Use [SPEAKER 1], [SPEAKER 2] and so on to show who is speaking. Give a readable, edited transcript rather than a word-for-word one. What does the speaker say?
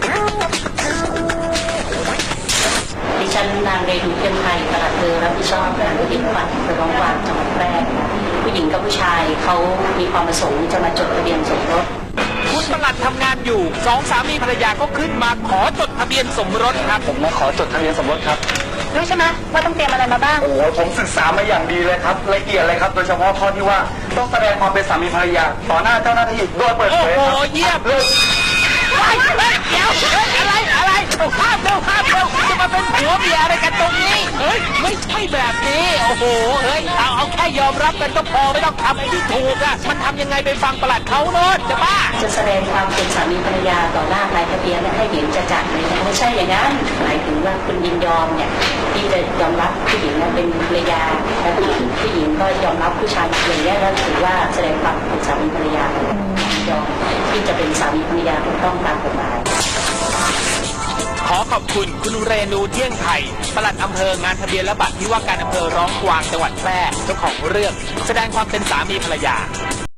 [SPEAKER 1] ดิฉันนางเรนูเทียมไทยปลัดอำเภอรับผิดชอบงานที่จังหวัดร้องกวางจังหวัดแพร่ผู้หญิงกับผู้ชายเขามีความประสงค์จะมาจดทะเบียนสมรส
[SPEAKER 2] คุณปลัดทำงานอยู่สองสามีภรรยาก็ขึ้นมาขอจดทะเบียนสมรสครับ
[SPEAKER 3] ผมมาขอจดทะเบียนสมรสครับ
[SPEAKER 1] รู้ใช่ไหมว่าต้องเตรียมอะไรมาบ้าง
[SPEAKER 3] โอ้ผมศึกษามาอย่างดีเลยครับละเอียดเลยครับโดยเฉพาะข้อที่ว่าต้องแสดงความเป็นสามีภรรยาต่อหน้าเจ้าหน้าที่โดยเปิดเผยครับ
[SPEAKER 2] โอ้โหเยี่ยมเลยเดี๋ยวอะไรห้ามเร็วจะมาเป็นผัวเมียอะไรกันตรงนี้เฮ้ยไม่ใช่แบบนี้โอ้โหเฮ้ยเอาแค่ยอมรับกันก็พอไม่ต้องทำไอ้ที่ถูกอ่ะมันทำยังไงไปฟังปลัดเขาโน่นจะบ้า
[SPEAKER 1] จะแสดงความเป็นสามีภรรยาต่อหน้านายทะเบียนให้เห็นจะจัดเลยนะไม่ใช่อย่างนั้นหมายถึงว่าคุณยินยอมเนี่ยที่จะยอมรับผู้หญิงเป็นภรรยาและผู้หญิงก็ยอมรับผู้ชายอย่างนี้แล้วถือว่าแสดงความเป็นสามีภรรยายอมที่จะเป็นสามีภรรยาถูกต้องตามกฎหมาย
[SPEAKER 2] ขอขอบคุณคุณเรนูเที่ยงไทยปลัดอำเภองานทะเบียนและบัตรที่ว่าการอำเภอร้องกวางจังหวัดแพร่เจ้าของเรื่องแสดงความเป็นสามีภรรยา